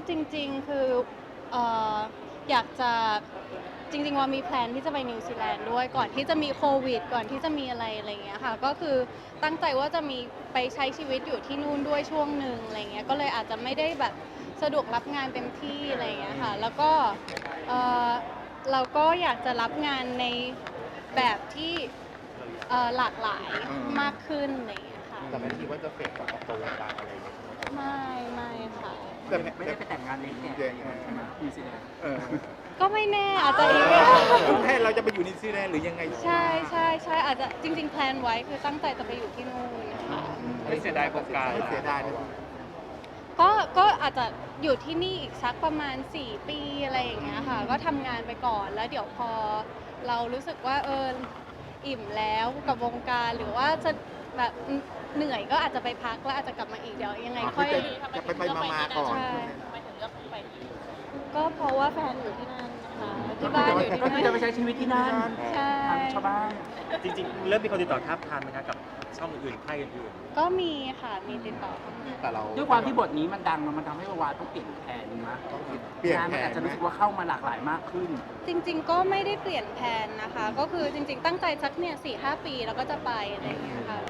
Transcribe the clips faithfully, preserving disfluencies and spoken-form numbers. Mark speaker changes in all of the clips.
Speaker 1: จริงๆคือเอ่ออยากจะจริงๆว่ามีแพลนที่จะไปนิวซีแลนด์ด้วยก่อนที่จะมีโควิดก่อนที่จะมีอะไรอะไรเงี้ยค่ะก็คือตั้งใจว่าจะมีไปใช้ชีวิตอยู่ที่นู่นด้วยช่วงหนึ่งอะไรเงี้ยก็เลยอาจจะไม่ได้แบบสะดวกรับงานเต็มที่อะไรเงี้ยค่ะแล้วก็เอ่อเราก็อยากจะรับงานในแบบที่เอ่อหลากหลายมากขึ้นอะไรเงี้ยค่ะ
Speaker 2: แต่ไม่คิดว่าจะเฟดกับออกตัววงการอะไรอย่างเงี้ย
Speaker 1: ไม่ไม่ค่ะ
Speaker 2: แต่
Speaker 3: ไม่ได้ไปแต่งงานเล็กเนี่ยใช่ไหมนิวซีแลนด์
Speaker 2: เออ
Speaker 1: ก็ไม่แน่อาจจะอีก
Speaker 2: แค่เราจะไปอยู่นิวซีแลนด์หรือยังไง
Speaker 1: ใช่ใช่ใช่อาจจะจริงๆแพลนไว้คือตั้งใจจะไปอยู่ที่นู่นนะคะ
Speaker 2: ไม่เสียดายโอกาสไม่เสียดายเลย
Speaker 1: ก็ก็อาจจะอยู่ที่นี่อีกสักประมาณสี่ปีอะไรอย่างเงี้ยค่ะก็ทำงานไปก่อนแล้วเดี๋ยวพอเรารู้สึกว่าเอออิ่มแล้วกับวงการหรือว่าจะแบบเหนื่อยก็อาจจะไปพักแล้วอาจจะกลับมาอีกเดี๋ยวยังไงค่อย
Speaker 2: จะไปไปมามาก่อน
Speaker 1: ใช่
Speaker 4: ทำไมถึงเลือกไปที่
Speaker 1: ก็เพราะว่าแฟนอยู่ที่นั่นนะคะที่บ้านอยู่ที่
Speaker 3: ก็คือจะไป
Speaker 1: นั่น
Speaker 3: ใช้ชีวิตที่นั่น
Speaker 1: ใช่
Speaker 3: ทางชาวบ้าน
Speaker 5: จริงๆ เริ่มมีคนติดต่อท้าบทามไหมคะกับช่องอื่นๆค่ายอื่น
Speaker 1: ก็มีค่ะมีติดต่อเข้ามา
Speaker 2: แต่เรา
Speaker 3: ด้วยความที่บทนี้มันดังมันทำให้วาวาต้องเปลี่ยนแผนนะ
Speaker 2: เปลี่ยน
Speaker 3: งาน
Speaker 2: แผ
Speaker 3: มัน
Speaker 2: น
Speaker 3: อาจจะรู้สึกว่าเข้ามาหลากหลายมากขึ้น
Speaker 1: จริงๆ ก็ไม่ได้เปลี่ยนแผนนะคะ ก็คือจริงๆ ตั้งใจสักเนี่ยสี่ห้าปีแล้วก็จะไปอะไรอย่างเงี้ยค่ะ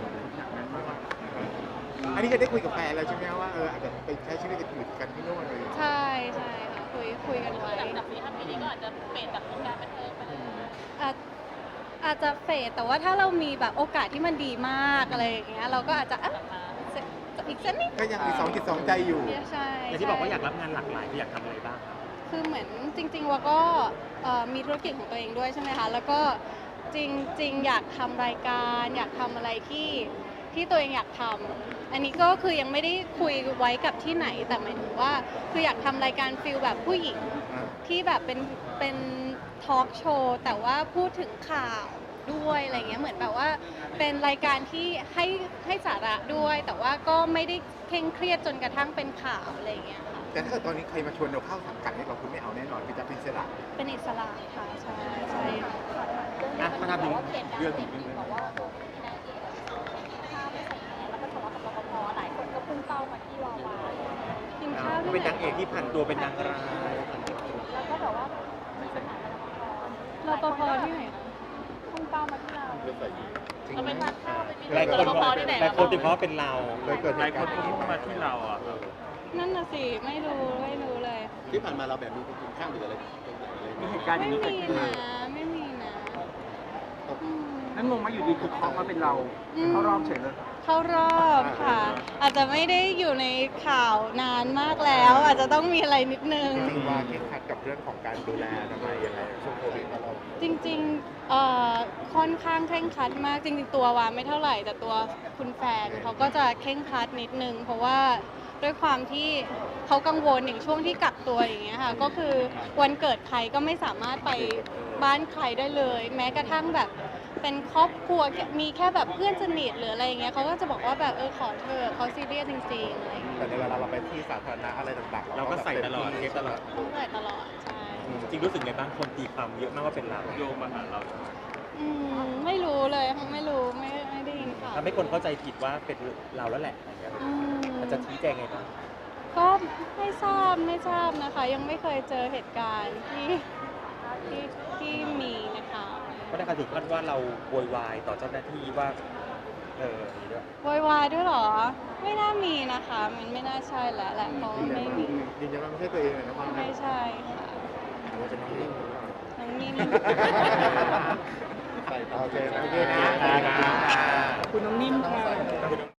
Speaker 2: อันนี้จะได้คุยกับแฟนแล้วใช่ไหมว่าเอออาจจะไปใช้ชีวิตกันอยู่กันที่โน่นเลย
Speaker 1: ใช่ใช่ค่ะคุยคุยกันไว้
Speaker 4: หลังจากสี่ห้าปีนี้ก็อาจจะเปลี่ยนจากวงการบันเทิงไปเลย
Speaker 1: อาจอาจจะเฟดแต่ว่าถ้าเรามีแบบโอกาสที่มันดีมากอะไรอย่างเงี้ยเราก็อาจจะอ่ะสักอีกสักนิด
Speaker 2: ก็ยังมีสองจิตสองใจอยู่
Speaker 1: ใช่
Speaker 5: ๆอย่างที่บอกว่าอยากรับงานหลากหลายอยากทำอะไรบ้างครับ
Speaker 1: คือเหมือนจริงๆว่าก็เอ่อมีธุรกิจของตัวเองด้วยใช่ไหมคะแล้วก็จริงๆ อยากทำรายการอยากทำอะไรที่ที่ตัวเองอยากทำอันนี้ก็คือยังไม่ได้คุยไว้กับที่ไหนแต่หมายถึงว่าคืออยากทำรายการฟิลแบบผู้หญิง
Speaker 2: อ่า
Speaker 1: ที่แบบเป็นเป็นทอล์กโชว์แต่ว่าพูดถึงข่าวด้วยอะไรเงี้ยเหมือนแบบว่าเป็นรายการที่ให้ให้สาระด้วย แต่ว่าก็ไม่ได้เคร่งเครียดจนกระทั่งเป็นข่าวอะไรเงี้ยค่ะ
Speaker 2: แต่ถ้าเกิดตอนนี้ใครมาชวนเราเข้าสังกัดให้เราคุณไม่เอาแน่นอนคือจะเป็นอิสระ
Speaker 1: เป็นอิสระค่ะใช่ใช่ค่ะ
Speaker 5: อ่ะมาทำถึงเรื่อง
Speaker 4: เรื่องบอกว่าตัวพี่นายเอกข้าวไม่ใส่แมสแล้วก็ทะเลาะกับรปภหลายคนก็พุ่งเป้ามาที่วาวา
Speaker 1: กินข้าวที่
Speaker 5: เป็น
Speaker 1: ไหน
Speaker 5: นางเอกที่ผ่านตัวเป็นนางร้าย
Speaker 4: แล้วก็แบบว่ามีปัญหากับรปภ
Speaker 1: รปภที่ไหนคะ
Speaker 4: พุ่งเป้ามาที่เราเราไปทานข้าวไปมี
Speaker 5: หลายคน
Speaker 4: รปภที่ไหน
Speaker 5: หลายคนติดเพราะว่าเป็นเรา
Speaker 2: เคยเกิดเหตุการณ์
Speaker 5: พุ่งมาที่เราอ่ะ
Speaker 1: นั่นน่ะสิไม่รู้ไม่รู้เลย
Speaker 2: ที่ผ่านมาเราแบบมีกินข้าวหรืออะไร
Speaker 3: มีเหตุการณ์อ
Speaker 1: ไม่
Speaker 3: ย่างนี้เกิด
Speaker 1: มี
Speaker 3: ขึ้น
Speaker 1: นะไม่มีนะอืม
Speaker 3: นั่นงงไหมาอยู่ดีคือเคาะมาเป็นเรา
Speaker 1: อืม
Speaker 3: เข้ารอบเฉยเลย
Speaker 1: เข้ารอบค่ะ อาจจะไม่ได้อยู่ในข่าวนานมากแล้ว อาจจะต้องมีอะไรนิดนึง
Speaker 2: จริงว่าเคร่งครัดกับเรื่องของการดูแลทำไมยังไงช่วงโควิดเรา
Speaker 1: จริงๆเอ่อค่อนข้างเคร่งครัดมากจริงๆตัววาไม่เท่าไหร่แต่ตัวคุณแฟนเขาก็จะเคร่งครัดนิดนึง เพราะว่าด้วยความที่เขากังวลอย่างช่วงที่กักตัวอย่างเงี้ยค่ะก็คือวันเกิดใครก็ไม่สามารถไปบ้านใครได้เลย แม้กระทั่งแบบเป็นครอบครัวมีแค่แบบเพื่อนสนิทหรืออะไรอย่างเงี้ยเขาก็จะบอกว่าแบบเออขอเธอะเขาซีเรียสจริงๆอะไรอย่างเงี้ย
Speaker 2: แต่ในเวลาเราไปที่สาธารณะอะไรต่างๆ
Speaker 5: เราก็ใส่ตลอดเทปตลอด
Speaker 1: ต้องเลยตลอดใช่
Speaker 5: จริงรู้สึกไงบ้างคนตีความเยอะมากว่าเป็นเราโยงมาหาเรา
Speaker 1: อืมไม่รู้เลยไม่รู้ไม่ไม่ได้ยินข่าว
Speaker 5: ทำให้คนเข้าใจผิดว่าเป็นเราแล้วแหละอะไรเงี้ย
Speaker 1: อืม
Speaker 5: มันจะชี้แจงไงบ้าง
Speaker 1: ก็ไม่ทราบไม่ทราบนะคะ ยังไม่เคยเจอเหตุการณ์ที่ที่ที่มีนะคะ
Speaker 5: ก็ได้การถึงขั้นว่าเราโวยวายต่อเจ้าหน้าที่ว่าเอออย่างนี้ด้วย
Speaker 1: โวยวายด้วยเหรอ ไม่น่ามีนะคะ มันไม่น่าใช่แล้วแหละเพราะว่าไม่มี
Speaker 2: ยืนยันว่าไม่ใช่ตัวเองเลยนะว่า
Speaker 1: ไม่ใช่ค่ะ
Speaker 2: ว่าจะน้องนิ่ง
Speaker 1: น้องนิ่ม
Speaker 2: โอเคโอเคนะ
Speaker 3: ขอบคุณน้องนิ่มค่ะ